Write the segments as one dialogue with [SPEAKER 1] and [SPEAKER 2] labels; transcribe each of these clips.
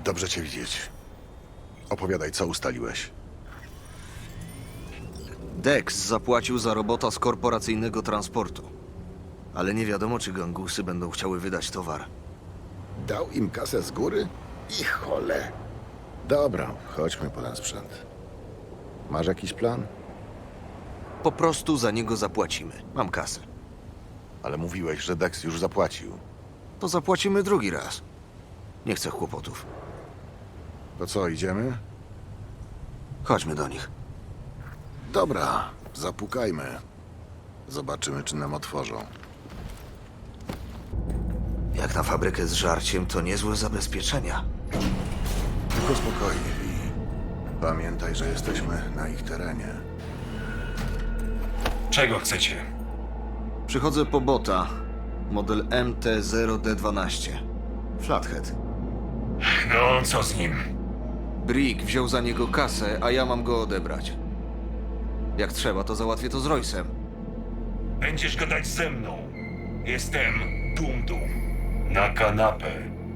[SPEAKER 1] Dobrze cię widzieć. Opowiadaj, co ustaliłeś.
[SPEAKER 2] Dex zapłacił za robota z korporacyjnego transportu. Ale nie wiadomo, czy gangusy będą chciały wydać towar.
[SPEAKER 1] Dał im kasę z góry? I chole. Dobra, chodźmy po ten sprzęt. Masz jakiś plan?
[SPEAKER 2] Po prostu za niego zapłacimy. Mam kasę.
[SPEAKER 1] Ale mówiłeś, że Dex już zapłacił.
[SPEAKER 2] To zapłacimy drugi raz. Nie chcę kłopotów.
[SPEAKER 1] To co, idziemy?
[SPEAKER 2] Chodźmy do nich.
[SPEAKER 1] Dobra, zapukajmy. Zobaczymy, czy nam otworzą.
[SPEAKER 2] Jak na fabrykę z żarciem, to niezłe zabezpieczenia.
[SPEAKER 1] Tylko spokojnie, Vi. Pamiętaj, że jesteśmy na ich terenie.
[SPEAKER 3] Czego chcecie?
[SPEAKER 2] Przychodzę po bota. Model MT-0D12. Flathead.
[SPEAKER 3] No, co z nim?
[SPEAKER 2] Brick wziął za niego kasę, a ja mam go odebrać. Jak trzeba, to załatwię to z Roysem.
[SPEAKER 3] Będziesz gadać ze mną. Jestem Dum-Dum. Na kanapę.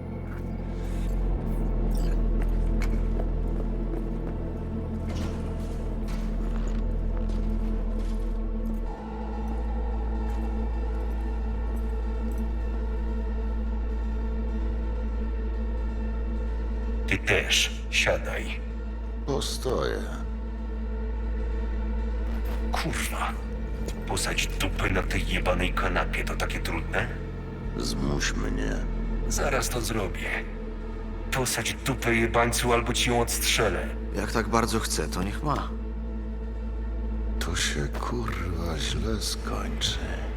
[SPEAKER 3] Ty też siadaj.
[SPEAKER 1] Postoję.
[SPEAKER 3] Kurwa. Posadź dupę na tej jebanej kanapie to takie trudne?
[SPEAKER 1] Zmuś mnie.
[SPEAKER 3] Zaraz to zrobię. Posadź dupę jebańcu albo ci ją odstrzelę.
[SPEAKER 2] Jak tak bardzo chce, to niech ma.
[SPEAKER 1] To się kurwa źle skończy.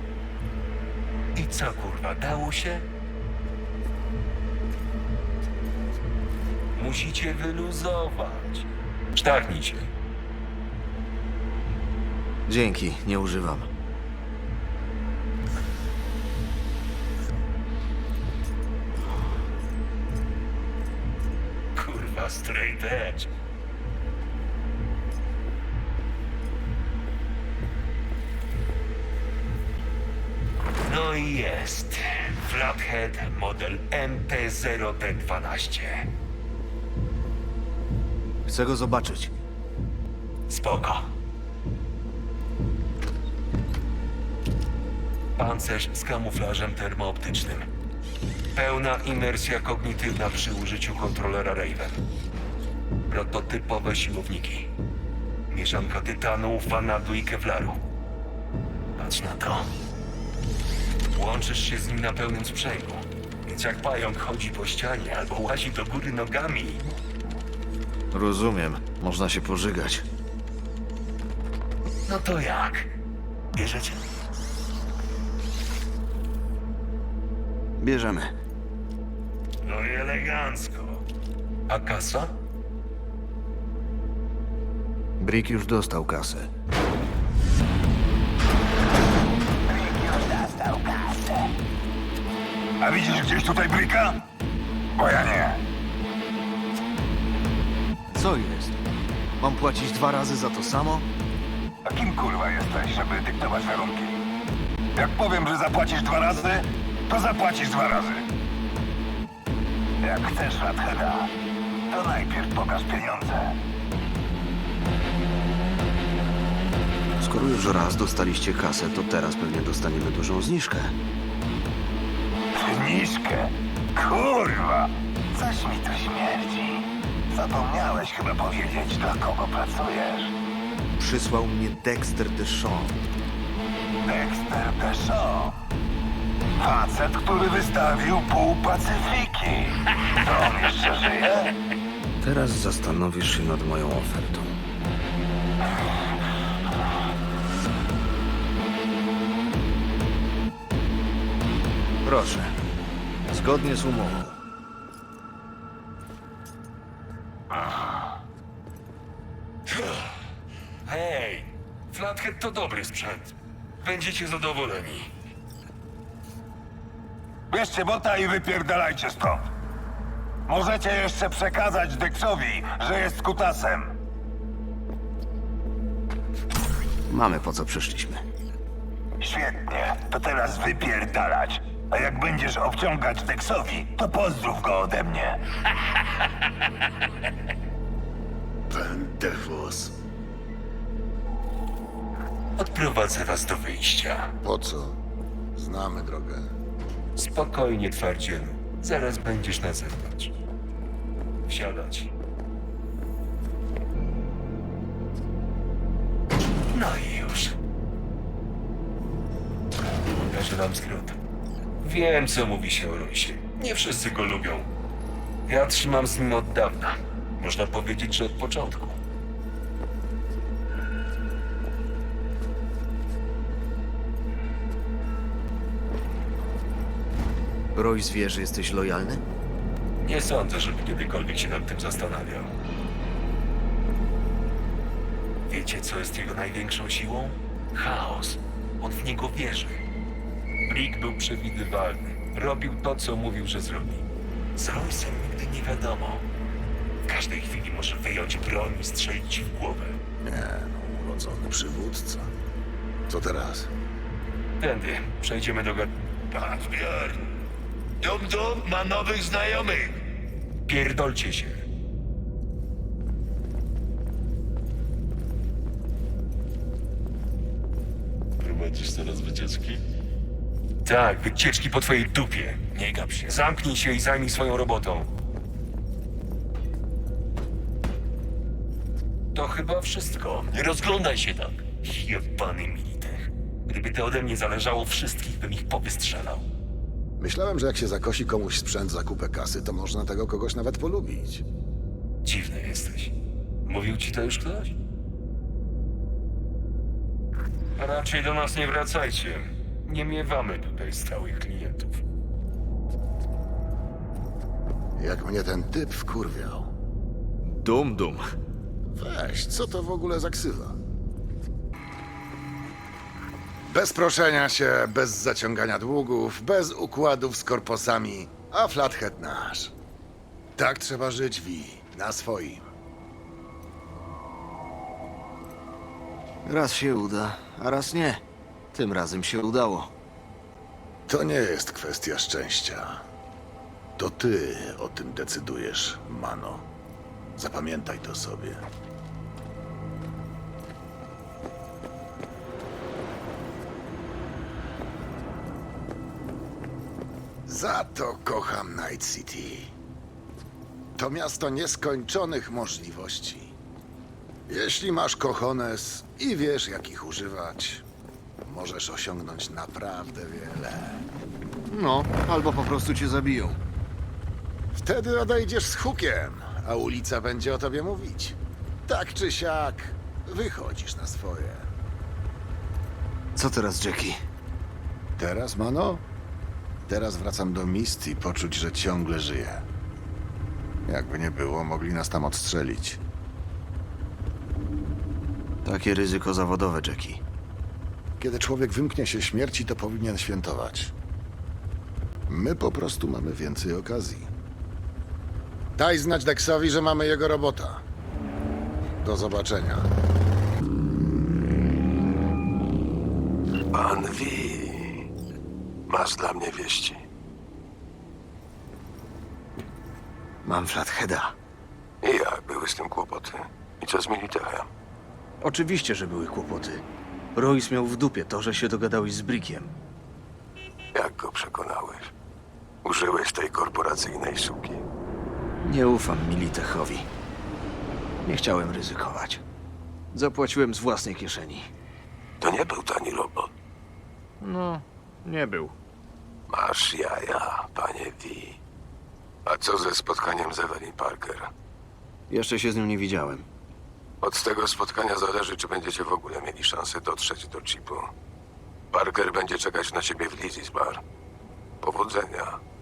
[SPEAKER 3] I co kurwa, dało się? Musicie wyluzować. Sztachnijcie.
[SPEAKER 2] Dzięki, nie używam.
[SPEAKER 3] Kurwa, straight edge. No i jest. Flathead model MT-0D12.
[SPEAKER 2] Chcę go zobaczyć.
[SPEAKER 3] Spoko. Pancerz z kamuflażem termooptycznym. Pełna imersja kognitywna przy użyciu kontrolera Raven. Prototypowe siłowniki. Mieszanka tytanu, vanadu i kevlaru. Patrz na to. Łączysz się z nim na pełnym sprzęgu. Więc jak pająk chodzi po ścianie albo łazi do góry nogami,
[SPEAKER 2] Rozumiem, można się pożygać.
[SPEAKER 3] no to jak? Bierzecie?
[SPEAKER 2] Bierzemy.
[SPEAKER 3] No i elegancko. A kasa?
[SPEAKER 2] Brick już dostał kasę.
[SPEAKER 4] A widzisz gdzieś tutaj Bricka? Bo ja nie.
[SPEAKER 2] Co jest? Mam płacić 2 razy za to samo?
[SPEAKER 4] A kim kurwa jesteś, żeby dyktować warunki? Jak powiem, że zapłacisz 2 razy, to zapłacisz 2 razy. Jak chcesz Flatheada, to najpierw pokaż pieniądze.
[SPEAKER 2] Skoro już raz dostaliście kasę, to teraz pewnie dostaniemy dużą zniżkę.
[SPEAKER 4] Zniżkę? Kurwa! Coś mi tu śmierdzi. Zapomniałeś chyba powiedzieć, dla kogo pracujesz.
[SPEAKER 2] Przysłał mnie Dexter Deshawn.
[SPEAKER 4] Dexter Deshawn. Facet, który wystawił pół Pacyfiki. To on jeszcze żyje?
[SPEAKER 2] Teraz zastanowisz się nad moją ofertą. Proszę. Zgodnie z umową.
[SPEAKER 3] Hej, Flathead to dobry sprzęt. Będziecie zadowoleni.
[SPEAKER 4] Bierzcie bota i wypierdalajcie stąd. Możecie jeszcze przekazać Dexowi, że jest kutasem.
[SPEAKER 2] Mamy po co przyszliśmy.
[SPEAKER 4] Świetnie, to teraz wypierdalać. A jak będziesz obciągać Dexowi, to pozdrów go ode mnie.
[SPEAKER 1] Będę wóz.
[SPEAKER 3] Odprowadzę was do wyjścia.
[SPEAKER 1] Po co? Znamy drogę.
[SPEAKER 3] Spokojnie, twardzielu. Zaraz będziesz na zewnątrz. Wsiadać. No i już. Pokażę nam skrót. Wiem, co mówi się o Roysie. Nie wszyscy go lubią. Ja trzymam z nim od dawna. Można powiedzieć, że od początku.
[SPEAKER 2] Royce wie, że jesteś lojalny?
[SPEAKER 3] Nie sądzę, żeby kiedykolwiek się nad tym zastanawiał. Wiecie, co jest jego największą siłą? Chaos. On w niego wierzy. Brick był przewidywalny. Robił to, co mówił, że zrobi. Z Royce'em nigdy nie wiadomo. W każdej chwili może wyjąć broń i strzelić ci w głowę.
[SPEAKER 1] Nie, no, urodzony przywódca. Co teraz?
[SPEAKER 3] Tędy. Przejdziemy do Pan zbior. Dum ma nowych znajomych. Pierdolcie się.
[SPEAKER 5] Prowadzisz teraz wycieczki?
[SPEAKER 3] Tak, wycieczki po twojej dupie. Nie gap się. Zamknij się i zajmij swoją robotą. To chyba wszystko. Nie rozglądaj się tak. Jebany militech. Gdyby to ode mnie zależało, wszystkich bym ich powystrzelał.
[SPEAKER 1] Myślałem, że jak się zakosi komuś sprzęt za kupę kasy, to można tego kogoś nawet polubić.
[SPEAKER 3] Dziwny jesteś. Mówił ci to już ktoś? Raczej do nas nie wracajcie. Nie miewamy tutaj stałych klientów.
[SPEAKER 1] Jak mnie ten typ wkurwiał.
[SPEAKER 2] Dum.
[SPEAKER 1] Weź, co to w ogóle za ksywa? Bez proszenia się, bez zaciągania długów, bez układów z korposami, a Flathead nasz. Tak trzeba żyć, Vi, na swoim.
[SPEAKER 2] Raz się uda, a raz nie. Tym razem się udało.
[SPEAKER 1] To nie jest kwestia szczęścia. To ty o tym decydujesz, Mano. Zapamiętaj to sobie. Za to kocham Night City. To miasto nieskończonych możliwości. Jeśli masz cojones i wiesz, jak ich używać, możesz osiągnąć naprawdę wiele.
[SPEAKER 2] No, albo po prostu cię zabiją.
[SPEAKER 1] Wtedy odejdziesz z hukiem, a ulica będzie o tobie mówić. Tak czy siak, wychodzisz na swoje.
[SPEAKER 2] Co teraz, Jackie?
[SPEAKER 1] Teraz, Mano? Teraz wracam do Misty i poczuć, że ciągle żyję. Jakby nie było, mogli nas tam odstrzelić.
[SPEAKER 2] Takie ryzyko zawodowe, Jackie.
[SPEAKER 1] Kiedy człowiek wymknie się śmierci, to powinien świętować. My po prostu mamy więcej okazji. Daj znać Dexowi, że mamy jego robota. Do zobaczenia.
[SPEAKER 6] Pan V. Masz dla mnie wieści.
[SPEAKER 2] Mam Flatheada.
[SPEAKER 6] I jak były z tym kłopoty? I co z Militechem?
[SPEAKER 2] Oczywiście, że były kłopoty. Royce miał w dupie to, że się dogadałeś z Brickiem.
[SPEAKER 6] Jak go przekonałeś? Użyłeś tej korporacyjnej suki.
[SPEAKER 2] Nie ufam Militechowi. Nie chciałem ryzykować. Zapłaciłem z własnej kieszeni.
[SPEAKER 6] To nie był tani robot.
[SPEAKER 2] No, nie był.
[SPEAKER 6] Masz jaja, panie V. A co ze spotkaniem z Evelyn Parker?
[SPEAKER 2] Jeszcze się z nią nie widziałem.
[SPEAKER 6] Od tego spotkania zależy, czy będziecie w ogóle mieli szansę dotrzeć do chipu. Parker będzie czekać na ciebie w Lizzie's Bar. Powodzenia.